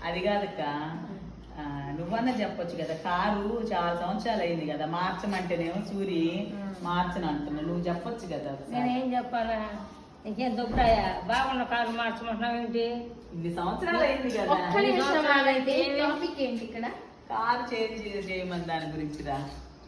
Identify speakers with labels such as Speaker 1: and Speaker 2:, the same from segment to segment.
Speaker 1: అది కాదక్క, నువ్వన్నా చెప్పొచ్చు కదా. కారు చాలా సంవత్సరాలు అయింది కదా, మార్చమంటేనేమో సూరి మార్చను అంటున్నా. నువ్వు చెప్పొచ్చు కదా.
Speaker 2: నేనేం చెప్పాలా? ఇంకేం దుబ్బరాయా? బాగున్న కారు మార్చమంటున్నావు ఏంటి?
Speaker 1: ఇన్ని సంవత్సరాలు అయింది కదా.
Speaker 3: టాపిక్ ఏంటి ఇక్కడ?
Speaker 1: కారు చేంజ్ చేయమని దాని గురించి రా.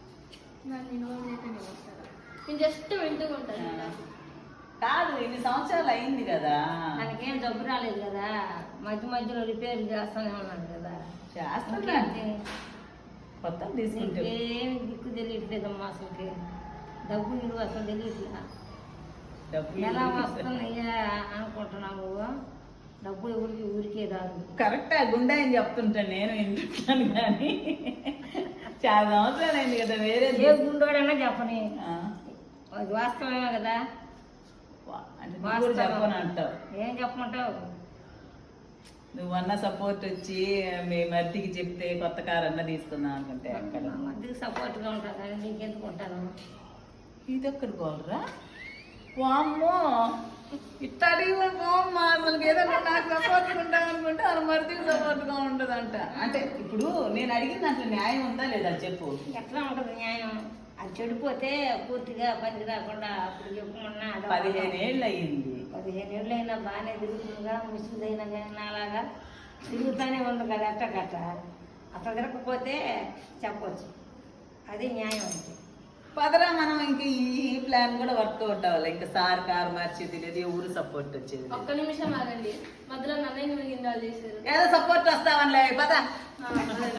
Speaker 3: నేను జస్ట్ వింటూ ఉంటాను.
Speaker 1: కాదు, ఇన్ని సంవత్సరాలు అయింది కదా.
Speaker 2: దానికేం డబ్బు రాలేదు కదా, మధ్య మధ్యలో రిపేర్ చేస్తానే ఉన్నాను కదా.
Speaker 1: చేస్తున్నా కొత్త తీసుకుంటే
Speaker 2: ఏమి దిక్కు తెలియట్లేదమ్మా అసలుకి. డబ్బు విలువ అసలు తెలియట్లే.
Speaker 1: డబ్బులు
Speaker 2: ఎలా వస్తున్నాయా అనుకుంటున్నావు? డబ్బులు ఎవరికి ఊరికే రాదు.
Speaker 1: కరెక్టా గుండా అని చెప్తుంటాను నేను వింటుంటాను, కానీ చాలా సంవత్సరాలు అయింది కదా. వేరే
Speaker 2: ఏ గుండోడైనా చెప్పని, అది వాస్తవమే కదా.
Speaker 1: అంటే నువ్వు కూడా చెప్పని అంటావు.
Speaker 2: ఏం చెప్పమంటావు?
Speaker 1: నువ్వన్నా సపోర్ట్ వచ్చి మీ మర్దికి చెప్తే కొత్త కారు అన్న తీసుకుందాం అనుకుంటే అక్కడ
Speaker 2: మధ్యకి సపోర్ట్గా ఉంటాను కానీ నీకెందుకు ఉంటాను?
Speaker 1: ఇది ఎక్కడ పోలరా? వామ్మో, ఇట్టాడి పోమ్మా. అసలు ఏదన్నా నాకు సపోర్ట్గా ఉంటాం అనుకుంటే వాళ్ళ మర్దికి సపోర్ట్గా ఉండదంట. అంటే ఇప్పుడు నేను అడిగిన దాంట్లో న్యాయం ఉందా లేదా చెప్పు.
Speaker 2: ఎట్లా ఉంటుంది న్యాయం? అది చెడిపోతే పూర్తిగా పనికి రాకుండా అప్పుడు చెప్పమన్నా
Speaker 1: 15 ఏళ్ళు అయ్యింది.
Speaker 2: 15 ఏళ్ళు అయినా బాగానే తిరుగుతుందిగా. ముసుగుదైనా కానీ నాలాగా తిరుగుతూనే ఉంది కదా. ఎట్టకట్ట అట్లా తిరగకపోతే చెప్పవచ్చు, అది న్యాయం అంటే.
Speaker 1: పదరా, మనం ఇంక ఈ ప్లాన్ కూడా వర్కౌట్ అవ్వాలి. ఇంకా సార్ కారు మార్చేది లేదు, ఊరు సపోర్ట్ వచ్చేది.
Speaker 3: ఒక్క నిమిషం ఆగండి, మధ్యలో నన్నయ్య ఇన్వాల్వ్ చేశారు.
Speaker 1: ఏదో సపోర్ట్ వస్తావనిలే పద.